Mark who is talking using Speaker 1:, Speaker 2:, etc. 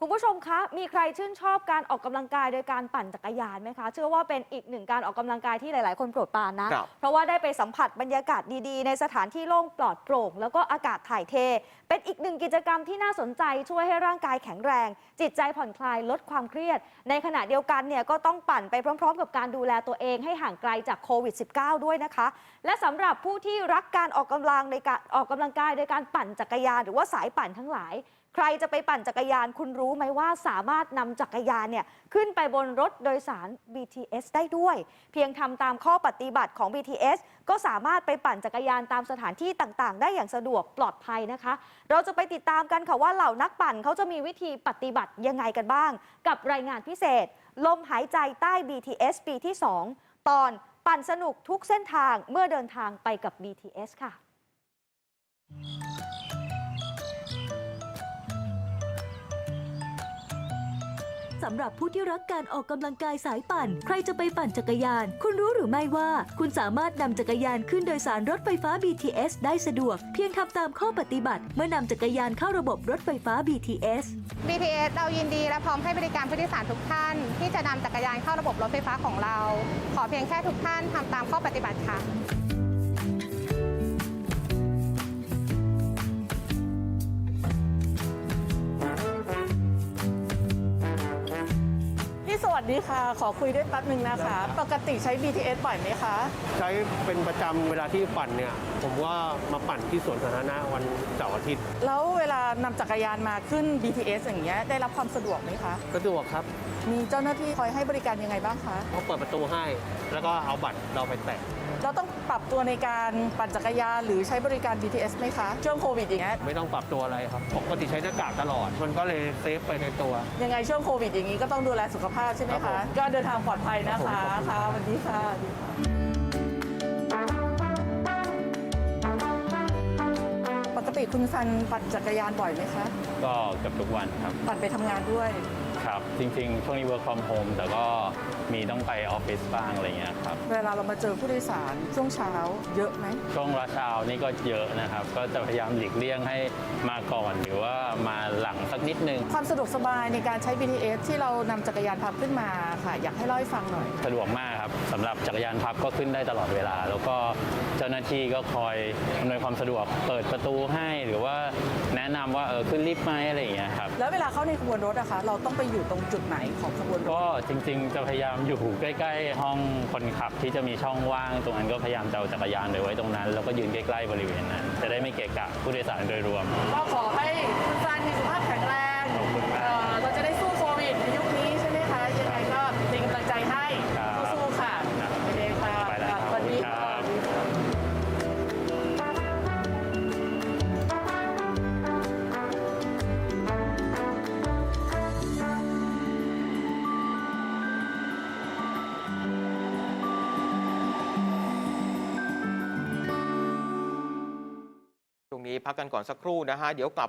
Speaker 1: คุณผู้ชมคะมีใครชื่นชอบการออกกำลังกายโดยการปั่นจักรยานไหมคะเชื่อว่าเป็นอีกหนึ่งการออกกำลังกายที่หลายๆคนโปรดปรานนะเพราะว่าได้ไปสัมผัสบรรยากาศดีๆในสถานที่โล่งปลอดโปร่งแล้วก็อากาศถ่ายเทเป็นอีกหนึ่งกิจกรรมที่น่าสนใจช่วยให้ร่างกายแข็งแรงจิตใจผ่อนคลายลดความเครียดในขณะเดียวกันเนี่ยก็ต้องปั่นไปพร้อมๆกับการดูแลตัวเองให้ห่างไกลจากโควิด -19 ด้วยนะคะและสำหรับผู้ที่รักการออกกำลังในการออกกำลังกายโดยการปั่นจักรยานหรือว่าสายปั่นทั้งหลายใครจะไปปั่นจักรยานคุณรู้ไหมว่าสามารถนำจักรยานเนี่ยขึ้นไปบนรถโดยสาร BTS ได้ด้วยเพียงทำตามข้อปฏิบัติของ BTS ก็สามารถไปปั่นจักรยานตามสถานที่ต่างๆได้อย่างสะดวกปลอดภัยนะคะเราจะไปติดตามกันค่ะว่าเหล่านักปั่นเขาจะมีวิธีปฏิบัติยังไงกันบ้างกับรายงานพิเศษลมหายใจใต้ BTS ปีที่ 2 ตอนปั่นสนุกทุกเส้นทางเมื่อเดินทางไปกับ BTS ค่ะ
Speaker 2: สำหรับผู้ที่รักการออกกำลังกายสายปั่นใครจะไปปั่นจักรยานคุณรู้หรือไม่ว่าคุณสามารถนำจักรยานขึ้นโดยสารรถไฟฟ้า BTS ได้สะดวกเพียงทำตามข้อปฏิบัติเมื่อนำจักรยานเข้าระบบรถไฟฟ้า BTS
Speaker 3: BTS เรายินดีและพร้อมให้บริการผู้โดยสารทุกท่านที่จะนำจักรยานเข้าระบบรถไฟฟ้าของเรา ขอเพียงแค่ทุกท่านทำตามข้อปฏิบัติค่ะ
Speaker 4: สวัสดีค่ะขอคุยด้วยแป๊บนึงนะคะปกติใช้ BTS บ่อยไหมคะ
Speaker 5: ใช้เป็นประจำเวลาที่ปั่นเนี่ยผมว่ามาปั่นที่สวนสาธารณะวันเสาร์อาทิตย์
Speaker 4: แล้วเวลานำจักรยานมาขึ้น BTS อย่างเงี้ยได้รับความสะดวกไหมคะ
Speaker 5: สะดวกครับ
Speaker 4: มีเจ้าหน้าที่คอยให้บริการยังไงบ้างคะ
Speaker 5: เขาเปิดประตูให้แล้วก็เอาบัตรเราไปแตะ
Speaker 4: เราต้องปรับตัวในการปั่นจักรยานหรือใช้บริการ BTS ไหมคะช่วงโควิดอย่างเงี้ย
Speaker 5: ไม่ต้องปรับตัวอะไรครับปกติใช้หน้ากากตลอดมันก็เลยเซฟไปในตัว
Speaker 4: ยังไงช่วงโควิดอย่างนี้ก็ต้องดูแลสุขภาพใช่ไหมคะก็เดินทางปลอดภัยนะคะค่ะสวัสดีค่ะปกติคุณซันปั่นจักรยานบ่อยไหมคะ
Speaker 6: ก็เกือบทุกวันครับ
Speaker 4: ปั่นไปทำงานด้วย
Speaker 6: ครับจริงๆช่วงนี้ work from home แต่ก็มีต้องไปออฟฟิศบ้างอะไรเงี้ยครับ
Speaker 4: เวลาเรามาเจอผู้โดยสารช่วงเช้าเยอะไหม
Speaker 6: ช่วงเช้านี่ก็เยอะนะครับก็จะพยายามหลีกเลี่ยงให้มาก่อนหรือว่ามาหลังสักนิดนึง
Speaker 4: ความสะดวกสบายในการใช้ BTS ที่เรานำจักรยานพับขึ้นมาค่ะอยากให้เล่าให้ฟังหน่อย
Speaker 6: สะดวกมากครับสำหรับจักรยานพับก็ขึ้นได้ตลอดเวลาแล้วก็เจ้าหน้าที่ก็คอยอำนวยความสะดวกเปิดประตูให้หรือว่าแนะนำว่าขึ้นลิฟต์ไหมอะไรอย่างเงี้ยครับ
Speaker 4: แล้วเวลาเข้าในขบวนรถอะคะเราต้องไปอยู่ตรงจุดไหนของขบวนรถ
Speaker 6: ก็จริงๆจะพยายามอยู่ใกล้ๆห้องคนขับที่จะมีช่องว่างตรงนั้นก็พยายามจะเอาจักรยานไปไว้ตรงนั้นแล้วก็ยืนใกล้ๆบริเวณนั้นจะได้ไม่เกะกะผู้โดยสารโดยรวม
Speaker 4: ก็ขอให้คุณซันมีสุขภาพแข็งแรงเราจะได้สู้โควิดในยุคนี้ใช่ไหมคะยังไงก็เป็นกำลังใจให้สู้ๆค่ะโอเคค่ะสวัสดีค่ะ
Speaker 7: ตรงนี้พักกันก่อนสักครู่นะฮะเดี๋ยวกลับ